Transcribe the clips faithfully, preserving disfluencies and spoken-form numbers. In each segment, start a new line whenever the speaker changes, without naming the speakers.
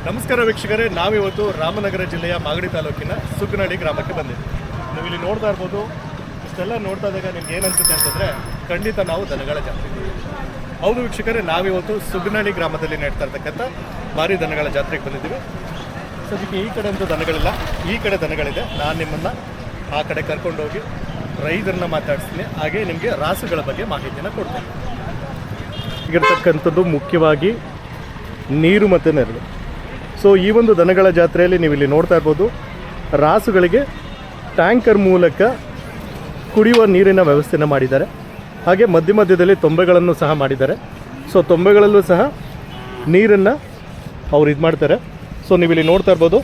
ನಮಸ್ಕಾರ ವೀಕ್ಷಕರೇ, ನಾವಿವತ್ತು ರಾಮನಗರ ಜಿಲ್ಲೆಯ ಮಾಗಡಿ ತಾಲೂಕಿನ ಸುಗ್ನಳ್ಳಿ ಗ್ರಾಮಕ್ಕೆ ಬಂದಿದ್ದೀವಿ. ನೀವು ಇಲ್ಲಿ ನೋಡ್ತಾ ಇರ್ಬೋದು. ಇಷ್ಟೆಲ್ಲ ನೋಡ್ತಾ ಇದ್ದಾಗ ನಿಮ್ಗೆ ಏನು ಅನ್ಸುತ್ತೆ ಅಂತಂದರೆ ಖಂಡಿತ ನಾವು ದನಗಳ ಜಾತ್ರೆ. ಹೌದು ವೀಕ್ಷಕರೇ, ನಾವಿವತ್ತು ಸುಗ್ನಳ್ಳಿ ಗ್ರಾಮದಲ್ಲಿ ನಡೀತಾ ಇರ್ತಕ್ಕಂಥ ಭಾರಿ ದನಗಳ ಜಾತ್ರೆಗೆ ಬಂದಿದ್ದೀವಿ. ಸದ್ಯಕ್ಕೆ ಈ ಕಡೆ ಅಂತೂ ದನಗಳಿಲ್ಲ, ಈ ಕಡೆ ದನಗಳಿದೆ. ನಾನು ನಿಮ್ಮನ್ನು ಆ ಕಡೆ ಕರ್ಕೊಂಡೋಗಿ ರೈತರನ್ನ ಮಾತಾಡಿಸ್ತೀನಿ, ಹಾಗೆ ನಿಮಗೆ ರಾಸುಗಳ ಬಗ್ಗೆ ಮಾಹಿತಿಯನ್ನು ಕೊಡ್ತೇನೆ. ಈಗಿರ್ತಕ್ಕಂಥದ್ದು ಮುಖ್ಯವಾಗಿ ನೀರು ಮತ್ತು ನೆರಳು. ಸೊ ಈ ಒಂದು ದನಗಳ ಜಾತ್ರೆಯಲ್ಲಿ ನೀವು ಇಲ್ಲಿ ನೋಡ್ತಾ ಇರ್ಬೋದು, ರಾಸುಗಳಿಗೆ ಟ್ಯಾಂಕರ್ ಮೂಲಕ ಕುಡಿಯುವ ನೀರಿನ ವ್ಯವಸ್ಥೆಯನ್ನು ಮಾಡಿದ್ದಾರೆ. ಹಾಗೆ ಮಧ್ಯ ಮಧ್ಯದಲ್ಲಿ ತೊಂಬೆಗಳನ್ನು ಸಹ ಮಾಡಿದ್ದಾರೆ. ಸೊ ತೊಂಬೆಗಳಲ್ಲೂ ಸಹ ನೀರನ್ನು ಅವ್ರು ಇದು ಮಾಡ್ತಾರೆ. ಸೊ ನೀವು ಇಲ್ಲಿ ನೋಡ್ತಾ ಇರ್ಬೋದು,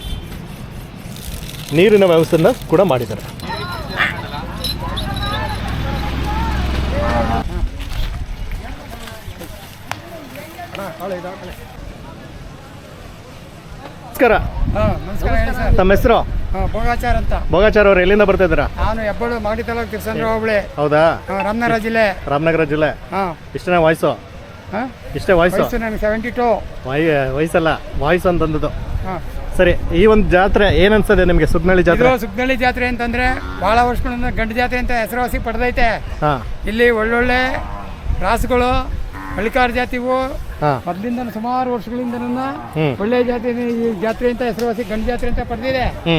ನೀರಿನ ವ್ಯವಸ್ಥೆಯನ್ನು ಕೂಡ ಮಾಡಿದ್ದಾರೆ. ನಮಸ್ಕಾರ.
ನಮಸ್ಕಾರ ಹೇಳಿ ಸರ್.
ತಮ್ಮ ಹೆಸರು?
ಭೋಗಾಚಾರ್ ಅಂತ.
ಭೋಗಾಚಾರ್ ಅವರು ಎಲ್ಲಿಂದ ಬರ್ತಾ ಇದ್ದೀರಾ?
ನಾನು ಹೆಬ್ಬಾಳು ಮಾಗಡಿ ತಾಲೂಕು ತಿರ್ಸಂದ್ರ ಹೋಬಳಿ.
ಹೌದಾ?
ರಾಮನಗರ ಜಿಲ್ಲೆ.
ರಾಮನಗರ ಜಿಲ್ಲೆ.
ಹಾಂ.
ಇಷ್ಟನೇ ವಾಯ್ಸು? ಇಷ್ಟೇ ವಾಯ್ಸು?
ನನಗೆ ಸೆವೆಂಟಿ ಟು.
ವಾಯ್ ವಯಸ್ಸಲ್ಲ, ವಾಯ್ಸ್ ಅಂತಂದದ್ದು.
ಹಾಂ
ಸರಿ. ಈ ಒಂದು ಜಾತ್ರೆ ಏನು ಅನ್ಸದೆ ನಿಮಗೆ, ಸುಗ್ನಳ್ಳಿ ಜಾತ್ರೆ?
ಸುಗ್ನಳ್ಳಿ ಜಾತ್ರೆ ಅಂತಂದ್ರೆ ಬಹಳ ವರ್ಷಗಳಿಂದ ಗಂಡು ಜಾತ್ರೆ ಅಂತ ಹೆಸರುವಾಸಿ ಪಡೆದೈತೆ.
ಹಾಂ.
ಇಲ್ಲಿ ಒಳ್ಳೊಳ್ಳೆ ರಾಸುಗಳು, ಹಳ್ಳಿಕಾರ ಜಾತಿವು
ಹಾಂ
ಮೊದಲಿಂದ ಸುಮಾರು ವರ್ಷಗಳಿಂದ ಒಳ್ಳೆ ಜಾತಿ ಈ ಜಾತ್ರೆ ಅಂತ ಹೆಸರುವಾಸಿ ಗಂಡು ಜಾತ್ರೆ ಅಂತ ಪಡೆದಿದೆ.
ಹ್ಞೂ.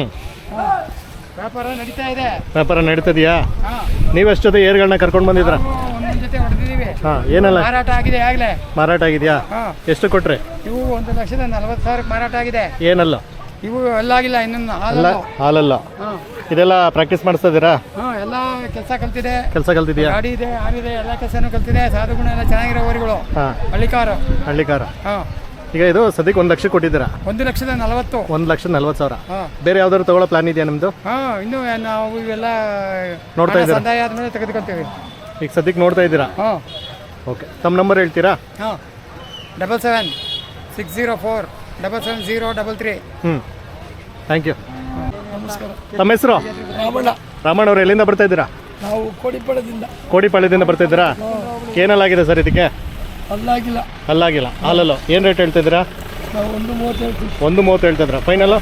ವ್ಯಾಪಾರ ನಡೀತಾ ಇದೆ.
ವ್ಯಾಪಾರ ನಡೀತದೆಯಾ?
ಹಾಂ.
ನೀವೆಷ್ಟು ಜೊತೆ ಏರ್ಗಳನ್ನ ಕರ್ಕೊಂಡು ಬಂದಿದ್ರ?
ಒಂದೊಂದು ಜೊತೆ ಹೊಡೆದಿದ್ದೀವಿ.
ಹಾಂ. ಏನೆಲ್ಲ
ಮಾರಾಟ ಆಗಿದೆ ಆಗಲೇ?
ಮಾರಾಟ ಆಗಿದೆಯಾ?
ಹಾಂ.
ಎಷ್ಟು ಕೊಟ್ರೆ?
ಇವು ಒಂದು ಲಕ್ಷದ ನಲವತ್ತು ಸಾವಿರಕ್ಕೆ ಮಾರಾಟ ಆಗಿದೆ.
ಏನಲ್ಲ?
ಇವು ಎಲ್ಲಾಗಿಲ್ಲ ಇನ್ನೊಂದು
ಅಲ್ಲ, ಹಾಲಲ್ಲ.
ಹಾಂ.
ಇದೆಲ್ಲ ಪ್ರಾಕ್ಟೀಸ್ ಮಾಡಿಸ್ತಾ ಇದ್ದೀರಾ?
ಹಾಂ. ಎಲ್ಲ ಕೆಲಸ ಕಲ್ತಿದೆ.
ಕೆಲಸ ಕಲ್ತಿದ್ಯಾ?
ಗಾಡಿ ಇದೆ, ಆರಿದೆ, ಎಲ್ಲ ಕೆಲಸನೂ ಕಲ್ತಿದೆ. ಸಾಧು ಗುಣ ಎಲ್ಲ ಚೆನ್ನಾಗಿರೋ ಊರುಗಳು.
ಹಾಂ.
ಹಳ್ಳಿಕಾರು.
ಹಳ್ಳಿಕಾರ.
ಹಾಂ.
ಈಗ ಇದು ಸದ್ಯಕ್ಕೆ ಒಂದು ಲಕ್ಷ ಕೊಟ್ಟಿದ್ದೀರಾ?
ಒಂದು ಲಕ್ಷದ ನಲವತ್ತು.
ಒಂದು ಲಕ್ಷ ನಲ್ವತ್ತು ಸಾವಿರ.
ಹಾಂ.
ಬೇರೆ ಯಾವ್ದಾದ್ರು ತಗೊಳ್ಳೋ ಪ್ಲಾನ್ ಇದೆಯಾ ನಿಮ್ಮದು?
ಹಾಂ. ಇನ್ನೂ ನಾವು ಇವೆಲ್ಲ
ನೋಡ್ತಾ ಇದ್ದೀರಾ?
ಸಂದಾಯ ಆದಮೇಲೆ ತೆಗೆದುಕೊಳ್ತೀವಿ.
ಈಗ ಸದ್ಯಕ್ಕೆ ನೋಡ್ತಾ ಇದ್ದೀರಾ?
ಹಾಂ.
ಓಕೆ. ತಮ್ಮ ನಂಬರ್ ಹೇಳ್ತೀರಾ?
ಹಾಂ. Double seven six zero four double seven zero double three.
ಹ್ಞೂ. Thank you.
ನಮಸ್ಕಾರ.
ತಮ್ಮ ಹೆಸರು?
ರಾಮಣ್ಣ.
ರಾಮಣ್ಣ ಅವರು ಎಲ್ಲಿಂದ ಬರ್ತಾ ಇದ್ದೀರಾ?
ನಾವು ಕೋಡಿಪಾಳ್ಯದಿಂದ.
ಕೋಡಿಪಾಳ್ಯದಿಂದ ಬರ್ತಾ ಇದ್ದೀರಾ? ಏನಲ್ಲಾಗಿದೆ ಸರ್ ಇದಕ್ಕೆ?
ಅಲ್ಲಾಗಿಲ್ಲ.
ಅಲ್ಲಾಗಿಲ್ಲ. ಹಾಲಲ್ಲೋ ಏನು ರೇಟ್ ಹೇಳ್ತಿದ್ದೀರಾ?
ನಾವು ಒಂದು ಮೂವತ್ತು ಹೇಳ್ತೀವಿ.
ಒಂದು ಮೂವತ್ತು ಹೇಳ್ತಿದ್ರಾ? ಫೈನಲ್ಲು?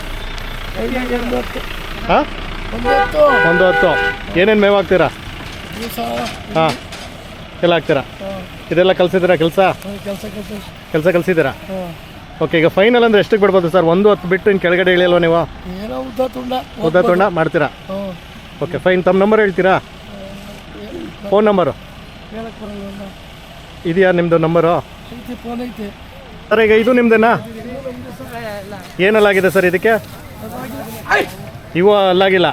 ಒಂದು ಹತ್ತು.
ಹಾಂ.
ಒಂದು ಹತ್ತು.
ಒಂದು ಹತ್ತು. ಏನೇನು ಮೇವು ಹಾಕ್ತೀರಾ?
ದಿವಸ
ಹಾಂ. ಎಲ್ಲ ಹಾಕ್ತೀರಾ? ಇದೆಲ್ಲ ಕಲಿಸಿದ್ದೀರಾ ಕೆಲಸ?
ಕೆಲಸ ಕೆಲಸ
ಕೆಲಸ ಕಲಿಸಿದ್ದೀರಾ?
ಹಾಂ.
ಓಕೆ. ಈಗ ಫೈನಲ್ ಅಂದರೆ ಎಷ್ಟಕ್ಕೆ ಬಿಡ್ಬೋದು ಸರ್? ಒಂದು ಹತ್ತು ಬಿಟ್ಟು ಇನ್ನು ಕೆಳಗಡೆ ಇಳಿಯಲ್ವ ನೀವು?
ಏನೋ ಉದ್ದ ತುಂಡ
ಉದ್ದ ತುಂಡ ಮಾಡ್ತೀರಾ?
ಹಾಂ.
Okay fine. ತಮ್ಮ ನಂಬರ್ ಹೇಳ್ತೀರಾ? ಫೋನ್ ನಂಬರು
ಹೇಳಕ್ಕೆ ಬರಲ್ಲ.
ಇದೆಯಾ ನಿಮ್ಮದು ನಂಬರು?
ಐತಿ, ಫೋನ್ ಐತಿ.
ಸರ್ ಈಗ ಇದು ನಿಮ್ಮದೇನಾ? ಏನಲ್ಲಾಗಿದೆ ಸರ್ ಇದಕ್ಕೆ? ಇವು ಅಲ್ಲಾಗಿಲ್ಲ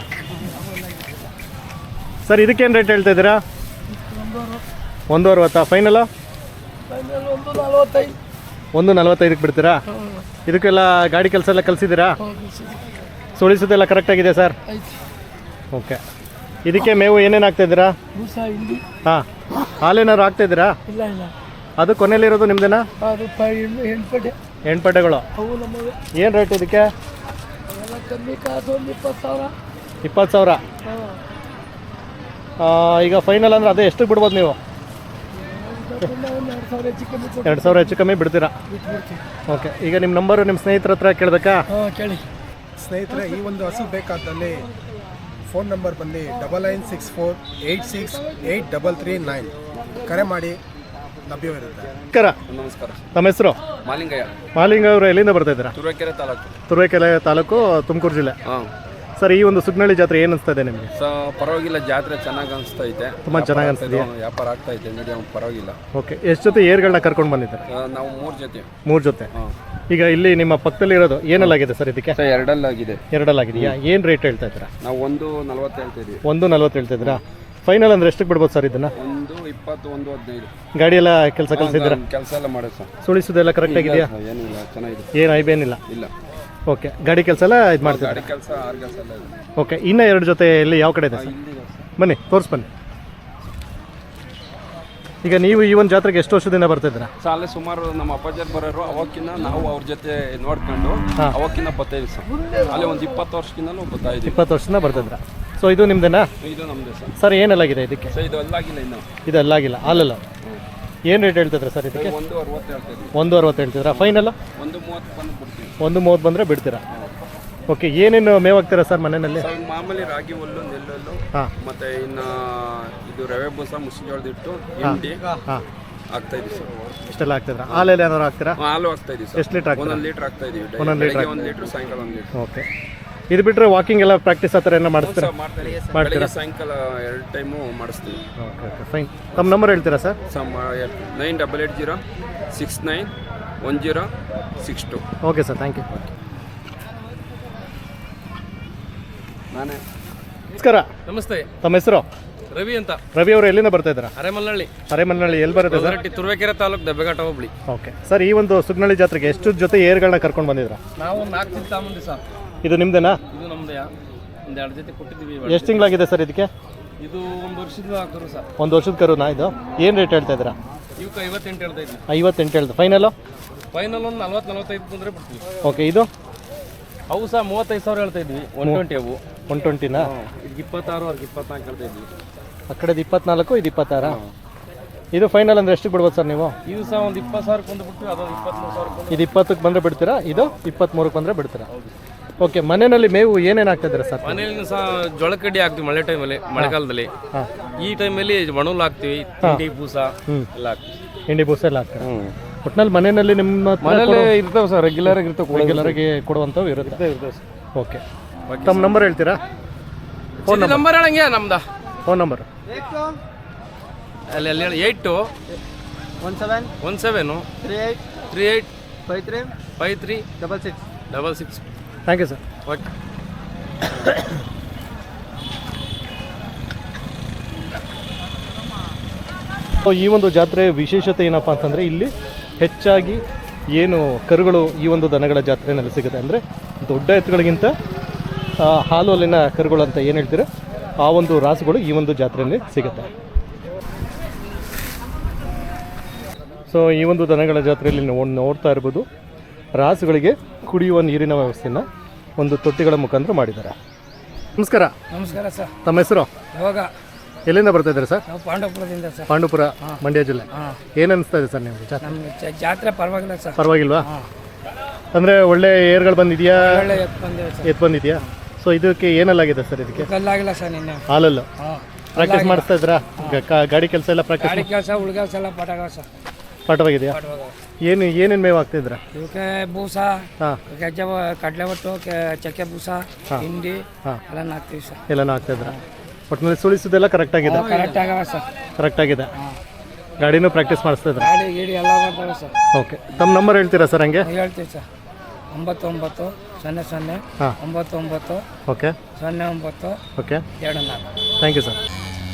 ಸರ್. ಇದಕ್ಕೇನು ರೇಟ್ ಹೇಳ್ತಾ ಇದ್ದೀರಾ? ಒಂದು ಅರವತ್ತಾ? ಫೈನಲ್ಲ?
ಒಂದು ನಲವತ್ತೈದು.
ಒಂದು ನಲ್ವತ್ತೈದಕ್ಕೆ ಬಿಡ್ತೀರಾ? ಇದಕ್ಕೆಲ್ಲ ಗಾಡಿ ಕೆಲಸ ಎಲ್ಲ ಕಲಿಸಿದ್ದೀರಾ? ಸುಳಿಸೋದೆಲ್ಲ ಕರೆಕ್ಟಾಗಿದೆ ಸರ್? ಓಕೆ. ಇದಕ್ಕೆ ಮೇವು ಏನೇನು ಹಾಕ್ತಾಯಿದ್ದೀರಾ? ಹಾಂ. ಹಾಲೇನಾದ್ರು ಹಾಕ್ತಾಯಿದ್ದೀರಾ?
ಇಲ್ಲ ಇಲ್ಲ.
ಅದು ಕೊನೆಯಲ್ಲಿರೋದು ನಿಮ್ದೇನಾ?
ಅದು ಹೆಣ್ಪಟ್ಟೆ.
ಹೆಣ್ಪಟ್ಟೆಗಳು ಏನು ರೇಟ್ ಇದಕ್ಕೆ?
ಕಮ್ಮಿ ಕಾಸು ಒಂದು ಇಪ್ಪತ್ತು ಸಾವಿರ.
ಇಪ್ಪತ್ತು ಸಾವಿರ. ಈಗ ಫೈನಲ್ ಅಂದರೆ ಅದೇ ಎಷ್ಟಕ್ಕೆ ಬಿಡ್ಬೋದು ನೀವು? ಎರಡು ಸಾವಿರ ಹೆಚ್ಚು ಕಮ್ಮಿ ಬಿಡ್ತೀರಾ? ಓಕೆ. ಈಗ ನಿಮ್ಮ ನಂಬರು ನಿಮ್ಮ ಸ್ನೇಹಿತರ ಹತ್ರ ಕೇಳಬೇಕಾ?
ಕೇಳಿ.
ಸ್ನೇಹಿತರೆ, ಈ ಒಂದು ಹಸು ಬೇಕಾದಲ್ಲಿ ಫೋನ್ ನಂಬರ್ ಬಂದು double nine six four eight six eight double three nine ಕರೆ ಮಾಡಿ, ಲಭ್ಯವಿರುತ್ತೆ.
ನಮಸ್ಕಾರ.
ನಮಸ್ಕಾರ.
ತಮ್ಮ ಹೆಸರು?
ಮಾಲಿಂಗಯ್ಯ.
ಮಾಲಿಂಗ ಅವರು ಎಲ್ಲಿಂದ ಬರ್ತಾ ಇದ್ದೀರಾ?
ತುರುವೇಕೆರೆ ತಾಲೂಕು.
ತುರುವೇಕೆರೆ ತಾಲೂಕು, ತುಮಕೂರು ಜಿಲ್ಲೆ.
ಹಾಂ
ಸರ್, ಈ ಒಂದು ಸುಗ್ನಳ್ಳಿ ಜಾತ್ರೆ ಏನು ಅನಿಸ್ತಾ ಇದೆ ನಿಮಗೆ?
ಸೊ ಪರವಾಗಿಲ್ಲ, ಜಾತ್ರೆ ಚೆನ್ನಾಗಿ ಅನಿಸ್ತಾ ಐತೆ.
ತುಂಬ ಚೆನ್ನಾಗಿ ಅನಿಸ್ತಿದೆ.
ವ್ಯಾಪಾರ ಆಗ್ತಾ ಐತೆ, ಮೀಡಿಯಂ ಪರವಾಗಿಲ್ಲ.
ಓಕೆ. ಎಷ್ಟು ಜೊತೆ ಏರ್ಗಳನ್ನ ಕರ್ಕೊಂಡು ಬಂದಿದ್ದಾರೆ?
ನಾವು ಮೂರು ಜೊತೆ.
ಮೂರು ಜೊತೆ.
ಹಾಂ.
ಈಗ ಇಲ್ಲಿ ನಿಮ್ಮ ಪಕ್ಕದಲ್ಲಿ ಇರೋದು ಏನಲ್ಲಾಗಿದೆ ಸರ್ ಇದಕ್ಕೆ?
ಸೊ ಎರಡಲ್ಲಾಗಿದೆ.
ಎರಡಲ್ಲಾಗಿದೆಯಾ? ಏನು ರೇಟ್ ಹೇಳ್ತಾ ಇದ್ದೀರಾ?
ನಾವು ಒಂದು ನಲ್ವತ್ತು ಹೇಳ್ತಾ ಇದೀವಿ.
ಒಂದು ನಲ್ವತ್ತು ಹೇಳ್ತಾ ಇದ್ದೀರಾ? ಫೈನಲ್ ಅಂದರೆ ಎಷ್ಟಕ್ಕೆ ಬಿಡ್ಬೋದು ಸರ್ ಇದನ್ನು?
ಒಂದು ಇಪ್ಪತ್ತು, ಒಂದು ಹದಿನೈದು.
ಗಾಡಿ ಎಲ್ಲ ಕೆಲಸ ಕಲಿಸಿದ್ದೀರಾ?
ಕೆಲಸ ಎಲ್ಲ ಮಾಡೋದು ಸರ್.
ಸುಳಿಸೋದೆಲ್ಲ ಕರೆಕ್ಟ್ ಆಗಿದೆಯಾ?
ಏನಿಲ್ಲ, ಚೆನ್ನಾಗಿದೆ.
ಏನು ಐಬೇನಿಲ್ಲ?
ಇಲ್ಲ.
ಓಕೆ. ಗಾಡಿ ಕೆಲಸ ಎಲ್ಲ ಇದು ಮಾಡ್ತೀರಾ?
ಗಾಡಿ ಕೆಲಸ, ಆರು ಕೆಲಸ ಎಲ್ಲ ಇದೆ.
ಓಕೆ. ಇನ್ನೂ ಎರಡು ಜೊತೆ ಎಲ್ಲಿ ಯಾವ ಕಡೆ ಇದೆ ಸರ್?
ಇಲ್ಲಿದೆ ಸರ್.
ಬನ್ನಿ ತೋರಿಸ್ ಬನ್ನಿ. ಈಗ ನೀವು ಈ ಒಂದು ಜಾತ್ರೆಗೆ ಎಷ್ಟು ವರ್ಷದಿಂದ ಬರ್ತಿದ್ದೀರಾ?
ಸಾಲೆ ಸುಮಾರು ನಮ್ಮ ಅಪ್ಪಾಜರ್ ಬರೋರು, ಅವಕ್ಕಿಂತ ನಾವು ಅವ್ರ ಜೊತೆ ನೋಡ್ಕೊಂಡು ಅವಕ್ಕಿಂತ ಬರ್ತಾಯಿದ್ವಿ ಸರ್. ಅಲ್ಲಿ ಒಂದು ಇಪ್ಪತ್ತು ವರ್ಷಕ್ಕಿಂತಲೂ ಬರ್ತಾ ಇದ್ದೀವಿ.
ಇಪ್ಪತ್ತು ವರ್ಷದಿಂದ ಬರ್ತಿದ್ರ? ಸೊ ಇದು ನಿಮ್ದೇನಾ?
ಇದು ನಮ್ಮದೇ ಸರ್.
ಸರ್ ಏನಲ್ಲಾಗಿದೆ ಇದಕ್ಕೆ?
ಸರ್ ಇದು ಅಲ್ಲಾಗಿಲ್ಲ ಇನ್ನು.
ಇದು ಅಲ್ಲಾಗಿಲ್ಲ, ಹಾಲಲ್ಲ. ಏನು ರೇಟ್ ಹೇಳ್ತಿದ್ರೆ ಸರ್ ಇದಕ್ಕೆ?
ಒಂದು ಅರವತ್ತು ಹೇಳ್ತಾ ಇದ್ದೀವಿ.
ಒಂದು ಅರವತ್ತು ಹೇಳ್ತಿದ್ರಾ? ಫೈನಲ್
ಒಂದು ಮೂವತ್ತು ಬಂದು ಬಿಡ್ತೀವಿ.
ಒಂದು ಮೂವತ್ತು ಬಂದರೆ ಬಿಡ್ತೀರಾ? ಓಕೆ, ಏನೇನು ಮೇವು ಹಾಕ್ತೀರಾ ಸರ್ ಮನೆಯಲ್ಲಿ?
ಸರ್ ಮಾಮೂಲಿ ರಾಗಿ ಹುಲ್ಲು, ನೆಲ್ಲುಲ್ಲು,
ಹಾಂ
ಮತ್ತು ಇನ್ನು ಇದು ರವೆ ಬೂಸ, ಮುಸ್ಲಿಜೋಳದಿಟ್ಟು, ಹಿಂಡಿ
ಹಾಂ
ಆಗ್ತಾ ಇದೀವಿ ಸರ್.
ಇಷ್ಟೆಲ್ಲ ಹಾಕ್ತಿದ್ರಾ? ಹಾಲೆಲ್ಲ ಏನಾದ್ರು ಹಾಕ್ತೀರಾ?
ಹಾಲು ಆಗ್ತಾ ಇದೀವಿ ಸರ್.
ಎಷ್ಟು ಲೀಟ್ರ್ ಹಾಕ್ತೀರಾ?
ಒಂದೊಂದು ಲೀಟ್ರ್ ಆಗ್ತಾ ಇದೀವಿ.
ಒಂದೊಂದು ಲೀಟ್ರ್
ಒಂದು ಲೀಟ್ರ್, ಸಾಯಂಕಾಲ ಒಂದು ಲೀಟ್ರ್.
ಓಕೆ, ಇದು ಬಿಟ್ಟರೆ ವಾಕಿಂಗ್ ಎಲ್ಲ ಪ್ರಾಕ್ಟೀಸ್ ಆ ಥರ ಏನೋ ಮಾಡಿಸ್ತೀರಾ?
ಮಾಡ್ತೀವಿ.
ಮಾಡ್ತೀರಾ?
ಬೆಳಗ್ಗೆ ಸಾಯಂಕಾಲ ಎರಡು ಟೈಮು ಮಾಡಿಸ್ತೀವಿ.
Okay okay fine. ತಮ್ಮ ನಂಬರ್ ಹೇಳ್ತೀರಾ ಸರ್?
ಸಮ್ nine double eight zero six nine one zero six two.
Okay sir, thank you.
ನಾನೇ.
ನಮಸ್ಕಾರ.
ನಮಸ್ತೆ.
ತಮ್ಮ ಹೆಸರು?
ರವಿ ಅಂತ.
ರವಿ ಅವರು ಎಲ್ಲಿಂದ ಬರ್ತಾ ಇದ್ದೀರಾ?
ಅರೆಮಲ್ಲಹಳ್ಳಿ.
ಅರೆಮಲ್ಲಹಳ್ಳಿ ಎಲ್ಲಿ ಬರುತ್ತೆ sir?
Hosaratti, Turuvekere taluk, Dabbeghatta hobli.
Okay sir, ಈ ಒಂದು ಸುಗ್ನಳ್ಳಿ ಜಾತ್ರೆಗೆ ಎಷ್ಟು ಜೊತೆ ಏರ್ಗಳನ್ನ ಕರ್ಕೊಂಡು ಬಂದಿದ್ರಾ?
ನಾವು ನಾಲ್ಕು ಜೊತೆ ತಗೊಂಬಂದಿ ಸರ್.
ಇದು ನಿಮ್ದೇನಾ?
ಇದು ನಮ್ದು. ಒಂದು ಎರಡು ಜೊತೆ ಕೊಟ್ಟಿದ್ದೀವಿ.
ಎಷ್ಟು ತಿಂಗಳಾಗಿದೆ ಸರ್ ಇದಕ್ಕೆ?
ಇದು ಒಂದು ವರ್ಷದ ಕರು ಸರ್.
ಒಂದು ವರ್ಷದ ಕರುನಾ ಇದು? ಏನು ರೇಟ್ ಹೇಳ್ತಾ ಇದ್ದೀರಾ?
ಇವಕ್ಕೆ ಐವತ್ತೆಂಟು ಹೇಳ್ತಾ ಇದ್ವಿ.
ಐವತ್ತೆಂಟು ಹೇಳ್ದು. ಫೈನಲು?
ಫೈನಲ್ ಒಂದು ನಲ್ವತ್ತು ನಲ್ವತ್ತೈದು ಬಂದರೆ ಬಿಡ್ತೀವಿ.
ಓಕೆ, ಇದು
ಅವು ಸಹ ಮೂವತ್ತೈದು ಸಾವಿರ ಹೇಳ್ತಾ ಇದ್ವಿ. ಒನ್ ಟ್ವೆಂಟಿ ಅವು.
ಒನ್ ಟ್ವೆಂಟಿನಾ?
ಇದಕ್ಕೆ ಇಪ್ಪತ್ತಾರು, ಅವ್ರಿಗೆ ಇಪ್ಪತ್ನಾಲ್ಕು ಹೇಳ್ತಾ ಇದ್ವಿ.
ಆ ಕಡೆದು ಇಪ್ಪತ್ನಾಲ್ಕು, ಇದು ಇಪ್ಪತ್ತಾರ. ಇದು ಫೈನಲ್ ಅಂದರೆ ಎಷ್ಟು ಬಿಡ್ಬೋದು ಸರ್ ನೀವು?
ಇದು ಸಹ ಒಂದು ಇಪ್ಪತ್ತು ಸಾವಿರಕ್ಕೆ ಬಂದು ಬಿಡ್ತೀವಿ. ಅದೊಂದು ಇಪ್ಪತ್ತ್ಮೂರು ಸಾವಿರಕ್ಕೆ.
ಇದು ಇಪ್ಪತ್ತಕ್ಕೆ ಬಂದರೆ ಬಿಡ್ತೀರಾ? ಇದು ಇಪ್ಪತ್ತ್ಮೂರಕ್ಕೆ ಬಂದರೆ ಬಿಡ್ತೀರಾ? ಓಕೆ, ಮನೆಯಲ್ಲಿ ಮೇವು ಏನೇನು ಹಾಕ್ತಿದ್ದೀರಾ ಸರ್?
ಮನೆಯಲ್ಲಿ ಸಹ ಜೋಳಕಡ್ಡಿ ಹಾಕ್ತೀವಿ ಮಳೆ ಟೈಮಲ್ಲಿ, ಮಳೆಗಾಲದಲ್ಲಿ.
ಹಾಂ,
ಈ ಟೈಮಲ್ಲಿ ಮಣೂಲ್ ಹಾಕ್ತೀವಿ, ತಿಂಡಿ ಬೂಸ ಎಲ್ಲ ಹಾಕ್ತೀವಿ.
ಹಿಂಡಿ ಬೂಸ ಎಲ್ಲ ಹಾಕ್ತೀರಾ? ಒಟ್ಟಿನಲ್ಲಿ ಮನೆಯಲ್ಲಿ ನಿಮ್ಮ
ಮನೇಲಿ ಇರ್ತವೆ ಸರ್, ರೆಗ್ಯುಲರ್ ಆಗಿ ಇರ್ತವೆ.
ರೆಗ್ಯುಲರ್ಗೆ ಕೊಡುವಂಥವು ಇರುತ್ತೆ.
ಇರ್ತವೆ ಸರ್.
ಓಕೆ, ತಮ್ಮ ನಂಬರ್ ಹೇಳ್ತೀರಾ?
ಫೋನ್ ನಂಬರ್ ಹೇಳಂಗೆ ನಮ್ದ
ಫೋನ್ ನಂಬರ್
ಅಲ್ಲಿ ಅಲ್ಲಿ ಹೇಳಿ eight two
one seven
one seven
three eight
three eight
five three
five three
double six
double six.
Thank you sir.
Okay.
ಈ ಒಂದು ಜಾತ್ರೆ ವಿಶೇಷತೆ ಏನಪ್ಪ ಅಂತಂದರೆ ಇಲ್ಲಿ ಹೆಚ್ಚಾಗಿ ಏನು ಕರುಗಳು ಈ ಒಂದು ದನಗಳ ಜಾತ್ರೆಯಲ್ಲಿ ಸಿಗುತ್ತೆ ಅಂದರೆ ದೊಡ್ಡ ಎತ್ತುಗಳಿಗಿಂತ ಹಾಲು ಅಲ್ಲಿನ ಕರುಗಳು ಅಂತ ಏನು ಹೇಳ್ತೀರ ಆ ಒಂದು ರಾಸುಗಳು ಈ ಒಂದು ಜಾತ್ರೆಯಲ್ಲಿ ಸಿಗುತ್ತೆ. ಸೊ ಈ ಒಂದು ದನಗಳ ಜಾತ್ರೆಯಲ್ಲಿ ನಾವು ನೋಡ್ತಾ ಇರ್ಬೋದು ರಾಸುಗಳಿಗೆ ಕುಡಿಯುವ ನೀರಿನ ವ್ಯವಸ್ಥೆನ ಒಂದು ತೊಟ್ಟಿಗಳ ಮುಖಾಂತರ ಮಾಡಿದ್ದಾರೆ. ನಮಸ್ಕಾರ.
ನಮಸ್ಕಾರ ಸರ್.
ತಮ್ಮ ಹೆಸರು?
ಇವಾಗ
ಎಲ್ಲಿಂದ ಬರ್ತಾ ಇದ್ದಾರೆ ಸರ್?
ನಾವು ಪಾಂಡವಪುರದಿಂದ ಸರ್.
ಪಾಂಡುಪುರ, ಮಂಡ್ಯ ಜಿಲ್ಲೆ. ಏನು ಅನಿಸ್ತಾ ಇದೆ ಸರ್ ನಿಮಗೆ ಜಾತ್ರೆ?
ನಮ್ಗೆ ಜಾತ್ರೆ ಪರವಾಗಿಲ್ಲ ಸರ್.
ಪರವಾಗಿಲ್ವಾ? ಅಂದರೆ ಒಳ್ಳೆ ಏರ್ಗಳು ಬಂದಿದೆಯಾ?
ಒಳ್ಳೆ ಎತ್ತು ಬಂದಿದೆ ಸರ್.
ಎತ್ತು ಬಂದಿದೆಯಾ? ಸೊ ಇದಕ್ಕೆ ಏನಲ್ಲಾಗಿದೆ ಸರ್? ಇದಕ್ಕೆ
ಕಲ್ಲಾಗಿಲ್ಲ ಸರ್ ನಿನ್ನೆ.
ಹಾಲಲ್ಲು
ಹಾಂ,
ಪ್ರಾಕ್ಟೀಸ್ ಮಾಡಿಸ್ತಾ ಇದ್ರಾ? ಗಾಡಿ ಕೆಲಸ ಎಲ್ಲ ಪ್ರಾಕ್ಟೀಸ್
ಗಾಡಿ ಕೆಲಸ, ಉಳ್ಗಾಸ ಎಲ್ಲ ಪಟಾಗ ಸರ್.
ಪಾಠವಾಗಿದೆಯಾ? ಏನು ಏನೇನು ಮೇವು ಆಗ್ತಿದ್ರ?
ಇವಕ್ಕೆ ಬೂಸ,
ಹಾಂ,
ಗಜ್ಜೆ, ಕಡಲೆ ಒಟ್ಟು, ಚಕ್ಕೆ ಬೂಸ, ಹಿಂಡಿ ಎಲ್ಲ ಹಾಕ್ತೀವಿ ಸರ್.
ಎಲ್ಲನೂ ಆಗ್ತಿದ್ರ? ಒಟ್ಟಿನಲ್ಲಿ ಸುಳಿಸೋದೆಲ್ಲ ಕರೆಕ್ಟ್ ಆಗಿದೆ?
ಕರೆಕ್ಟ್ ಆಗವ ಸರ್.
ಕರೆಕ್ಟ್ ಆಗಿದೆ. ಗಾಡಿನೂ ಪ್ರಾಕ್ಟೀಸ್ ಮಾಡಿಸ್ತಾ ಇದ್ರ?
ಗಾಡಿ ಗೀಡಿ ಎಲ್ಲ ಬರ್ತವೆ ಸರ್.
ಓಕೆ, ತಮ್ಮ ನಂಬರ್ ಹೇಳ್ತೀರಾ ಸರ್? ಹಂಗೆ
ಹೇಳ್ತೀವಿ ಸರ್. ಒಂಬತ್ತು ಒಂಬತ್ತು ಸೊನ್ನೆ ಸೊನ್ನೆ
ಹಾಂ
ಒಂಬತ್ತು ಒಂಬತ್ತು
ಓಕೆ
ಸೊನ್ನೆ ಒಂಬತ್ತು
ಓಕೆ
ಎರಡು ನಾಲ್ಕು.
Thank you sir.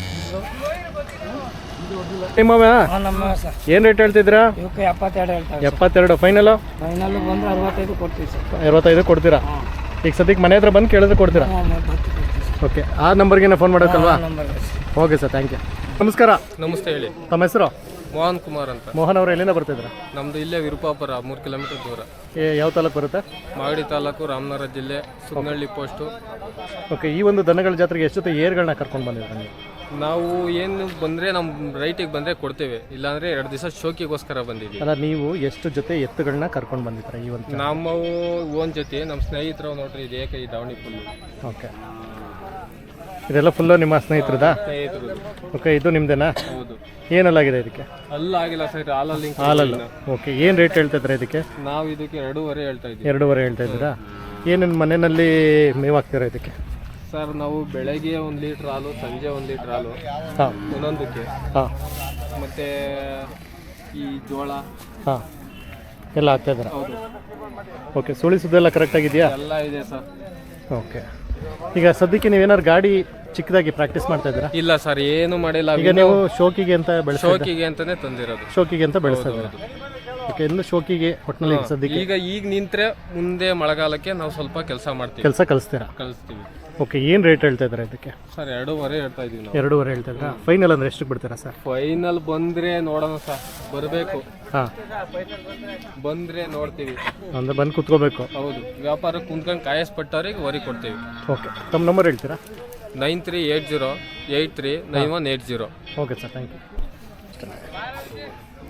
ನಿಮ್ಮ
ಹಾಂ ನಮ್ಮ ಸರ್.
ಏನು ರೇಟ್ ಹೇಳ್ತಿದ್ದೀರಾ?
ಇವಕ್ಕೆ ಎಪ್ಪತ್ತೆರಡು ಹೇಳ್ತಾರೆ.
ಎಪ್ಪತ್ತೆರಡು. ಫೈನಲು?
ಫೈನಲ್ಲು ಬಂದರೆ ಅರವತ್ತೈದು ಕೊಡ್ತೀವಿ ಸರ್.
ಅರವತ್ತೈದು ಕೊಡ್ತೀರಾ? ಈಗ ಸದ್ಯಕ್ಕೆ ಮನೆ ಹತ್ರ ಬಂದು ಕೇಳಿದ್ರೆ ಕೊಡ್ತೀರಾ?
ಹಾಂ, ಬರ್ತೀವಿ ಕೊಡ್ತೀವಿ ಸರ್.
ಓಕೆ, ಆ ನಂಬರ್ಗೆ ಫೋನ್ ಮಾಡೋಕ್ಕಲ್ವಾ?
Number
okay sir, thank you. ನಮಸ್ಕಾರ.
ನಮಸ್ತೆ. ಹೇಳಿ.
ತಮ್ಮ ಹೆಸರು?
ಮೋಹನ್ ಕುಮಾರ್ ಅಂತ.
ಮೋಹನ್ ಅವರು ಎಲ್ಲಿಂದ ಬರ್ತಿದ್ರ?
ನಮ್ದು ಇಲ್ಲೇ ವಿರುಪಾಪುರ, ಮೂರು ಕಿಲೋಮೀಟರ್ ದೂರ.
ಯಾವ ತಾಲೂಕು ಬರುತ್ತೆ?
ಮಾಗಡಿ ತಾಲೂಕು, ರಾಮನಗರ ಜಿಲ್ಲೆ, ಸುಗ್ನಳ್ಳಿ ಪೋಸ್ಟು.
ಓಕೆ, ಈ ಒಂದು ದನಗಳ ಜಾತ್ರೆಗೆ ಎಷ್ಟು ಜೊತೆ ಏರ್ಗಳನ್ನ ಕರ್ಕೊಂಡು ಬಂದಿದ್ದೀರಾ ನೀವು?
ನಾವು ಏನು ಬಂದರೆ ನಮ್ಮ ರೈಟಿಗೆ ಬಂದರೆ ಕೊಡ್ತೇವೆ, ಇಲ್ಲಾಂದರೆ ಎರಡು ದಿವಸ ಶೋಕಿಗೋಸ್ಕರ ಬಂದಿದ್ದೀವಿ.
ಅಲ್ಲ, ನೀವು ಎಷ್ಟು ಜೊತೆ ಎತ್ತುಗಳನ್ನ ಕರ್ಕೊಂಡು ಬಂದಿದ್ದೀರಾ ಈ ಒಂದು?
ನಮ್ಮವು ಒಂದು ಜೊತೆ, ನಮ್ಮ ಸ್ನೇಹಿತರು ನೋಡ್ರಿ, ಇದು ಏಕ ಈ ದಾವಣಿ ಫುಲ್ಲು.
ಓಕೆ, ಇದೆಲ್ಲ ಫುಲ್ಲು ನಿಮ್ಮ ಸ್ನೇಹಿತರದಾ?
ಸ್ನೇಹಿತರು.
ಓಕೆ, ಇದು ನಿಮ್ದೇನಾ?
ಹೌದು.
ಏನಲ್ಲಾಗಿದೆ ಇದಕ್ಕೆ?
ಅಲ್ಲಾಗಿಲ್ಲ ಸರ್, ಹಾಲಲ್ಲಿ.
ಹಾಲಲ್ಲ. ಓಕೆ, ಏನು ರೇಟ್ ಹೇಳ್ತಾ ಇದ್ದೀರಾ ಇದಕ್ಕೆ?
ನಾವು ಇದಕ್ಕೆ ಎರಡೂವರೆ ಹೇಳ್ತಾ ಇದ್ದೀವಿ.
ಎರಡೂವರೆ ಹೇಳ್ತಾ ಇದ್ದೀರಾ? ಏನೇನು ಮನೆಯಲ್ಲಿ ಮೇವು ಹಾಕ್ತೀರಾ ಇದಕ್ಕೆ?
ಸರ್ ನಾವು ಬೆಳಗ್ಗೆ ಒಂದು ಲೀಟ್ರ್ ಹಾಲು, ಸಂಜೆ ಒಂದು ಲೀಟ್ರ್ ಹಾಲು
ಹಾಂ
ಒಂದೊಂದಕ್ಕೆ.
ಹಾಂ,
ಮತ್ತು ಈ ಜೋಳ
ಹಾಂ ಎಲ್ಲ ಹಾಕ್ತಾಯಿದ್ದೀರಾ?
ಹೌದು.
ಓಕೆ, ಸುಳಿಸೋದೆಲ್ಲ ಕರೆಕ್ಟಾಗಿದೆಯಾ?
ಎಲ್ಲ ಇದೆ ಸರ್.
ಓಕೆ, ಈಗ ಸದ್ಯಕ್ಕೆ ನೀವೇನಾದ್ರು ಗಾಡಿ ಚಿಕ್ಕದಾಗಿ ಪ್ರಾಕ್ಟೀಸ್ ಮಾಡ್ತಾ ಇದ್ದೀರಾ?
ಇಲ್ಲ ಸರ್, ಏನು ಮಾಡಿಲ್ಲ.
ಈಗ ನೀವು ಶೋಕಿಗೆ ಅಂತ ಬೆಳೆಸ
ಶೋಕಿಗೆ ಅಂತಾನೆ ತಂದಿರೋದು.
ಶೋಕಿಗೆ ಅಂತ ಬೆಳೆಸ್ತಾ ಇದ್ದೀರಾ? ಓಕೆ, ಇನ್ನು ಶೋಕಿಗೆ ಒಟ್ಟಿನಲ್ಲಿ ಸದ್ಯಕ್ಕೆ
ಈಗ ಈಗ ನಿಂತ್ರೆ ಮುಂದೆ ಮಳೆಗಾಲಕ್ಕೆ ನಾವು ಸ್ವಲ್ಪ ಕೆಲಸ ಮಾಡ್ತೀವಿ,
ಕೆಲಸ ಕಲಿಸ್ತೀರಾ?
ಕಲಿಸ್ತೀವಿ.
ಓಕೆ, ಏನು ರೇಟ್ ಹೇಳ್ತಾ ಇದ್ದೀರಾ ಇದಕ್ಕೆ?
ಸರ್ ಎರಡೂವರೆ ಹೇಳ್ತಾ ಇದೀವಿ ನಾವು.
ಎರಡೂವರೆ ಹೇಳ್ತಾ ಇದ್ದೀರಾ? ಫೈನಲ್ ಅಂದರೆ ಎಷ್ಟಕ್ಕೆ ಬಿಡ್ತೀರಾ ಸರ್?
ಫೈನಲ್ ಬಂದರೆ ನೋಡೋಣ ಸರ್, ಬರಬೇಕು.
ಹಾಂ,
ಬಂದರೆ ನೋಡ್ತೀವಿ.
ಅಂದರೆ ಬಂದು ಕುತ್ಕೋಬೇಕು?
ಹೌದು, ವ್ಯಾಪಾರ ಕುಂತ್ಕೊಂಡು ಕಾಯಸ್ಪಟ್ಟವ್ರಿಗೆ ವರಿ ಕೊಡ್ತೀವಿ.
ಓಕೆ, ತಮ್ಮ ನಂಬರ್ ಹೇಳ್ತೀರಾ?
Nine three eight zero eight three nine one eight zero.
Okay sir, thank you.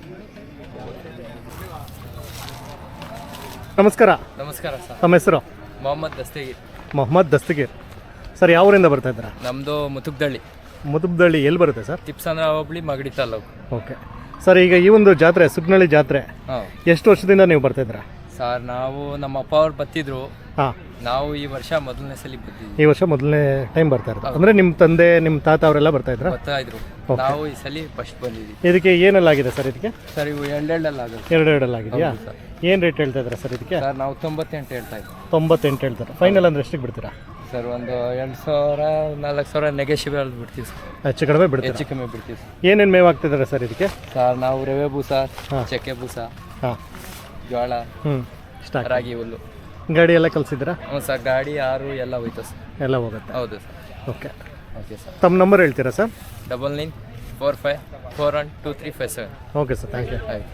ನಮಸ್ಕಾರ,
ನಮಸ್ಕಾರ ಸರ್.
ತಮ್ಮ ಹೆಸರು?
ಮೊಹಮ್ಮದ್ ದಸ್ತಗೀರ್.
ಮೊಹಮ್ಮದ್ ದಸ್ತಗೀರ್ ಸರ್. ಯಾವ ಊರಿಂದ ಬರ್ತಾ ಇದ್ದೀರಾ?
ನಮ್ಮದು ಮುತುಕ್ದಳ್ಳಿ,
ಮುದುಬ್ದಳ್ಳಿ ಎಲ್ಲಿ ಬರುತ್ತೆ sir?
Tipsandra hobli, Magadi taluk.
Okay sir, ಈಗ ಈ ಒಂದು ಜಾತ್ರೆ ಸುಗ್ನಳ್ಳಿ ಜಾತ್ರೆ
ಹಾಂ
ಎಷ್ಟು ವರ್ಷದಿಂದ ನೀವು ಬರ್ತಾಯಿದ್ದೀರಾ?
ಸರ್, ನಾವು ನಮ್ಮ ಅಪ್ಪ ಅವ್ರು ಬತ್ತಿದ್ರು,
ಹಾಂ,
ನಾವು ಈ ವರ್ಷ ಮೊದಲನೇ ಸಲ ಬಂದಿದ್ವಿ.
ಈ ವರ್ಷ ಮೊದಲನೇ ಟೈಮ್ ಬರ್ತಾ ಇರೋದು. ಅಂದರೆ ನಿಮ್ಮ ತಂದೆ ನಿಮ್ಮ ತಾತ ಅವರೆಲ್ಲ ಬರ್ತಾ ಇದ್ರಾ?
ಬರ್ತಾ ಇದ್ರು, ನಾವು ಈ ಸಲ ಫಸ್ಟ್ ಬಂದಿದ್ವಿ.
ಇದಕ್ಕೆ ಏನೆಲ್ಲ ಆಗಿದೆ ಸರ್? ಇದಕ್ಕೆ
ಸರ್ ಇವು ಎರಡೆರಡಲ್ಲ ಆಗುತ್ತೆ
ಎರಡು ಎರಡಲ್ಲ ಆಗಿದೆಯಾ?
ಹೌದು ಸರ್.
ಏನು ರೇಟ್ ಹೇಳ್ತಾ ಇದ್ದೀರಾ ಸರ್ ಇದಕ್ಕೆ?
ಸರ್ ನಾವು ತೊಂಬತ್ತೆಂಟು ಹೇಳ್ತಾ ಇದ್ವಿ.
ತೊಂಬತ್ತೆಂಟು ಹೇಳ್ತಾರೆ. ಫೈನಲ್ ಅಂದರೆ ಎಷ್ಟಿಗೆ ಬಿಡ್ತೀರಾ?
ಸರ್ ಒಂದು ಎರಡು ಸಾವಿರ ನಾಲ್ಕು ಸಾವಿರ ನೆಗೆಶಿಬಲ್ ಬಿಡ್ತೀವಿ ಸರ್,
ಹೆಚ್ಚು ಕಡಿಮೆ ಬಿಡ್ತೀರಾ?
ಹೆಚ್ಚು ಕಮ್ಮಿ ಬಿಡ್ತೀವಿ ಸರ್.
ಏನೇನು ಮೇವು ಹಾಕ್ತಿದ್ದಾರೆ ಸರ್ ಇದಕ್ಕೆ?
ಸರ್ ನಾವು ರವೆ ಬೂಸ, ಚಕ್ಕೆ ಬೂಸ,
ಹಾಂ,
ಜೋಳ,
ಹ್ಞೂ, ಸ್ಟಾಕ್
ರಾಗಿ ಹುಲ್ಲು.
ಗಾಡಿ ಎಲ್ಲ ಕಲಿಸಿದ್ರಾ?
ಹ್ಞೂ ಸರ್, ಗಾಡಿ ಆರು ಎಲ್ಲ ಹೋಯ್ತು ಸರ್.
ಎಲ್ಲ ಹೋಗುತ್ತೆ.
ಹೌದು ಸರ್.
Okay,
okay sir.
ತಮ್ಮ ನಂಬರ್ ಹೇಳ್ತೀರಾ sir?
Double nine four five four one two three five seven.
Okay sir, thank you.
ಆಯ್ತು.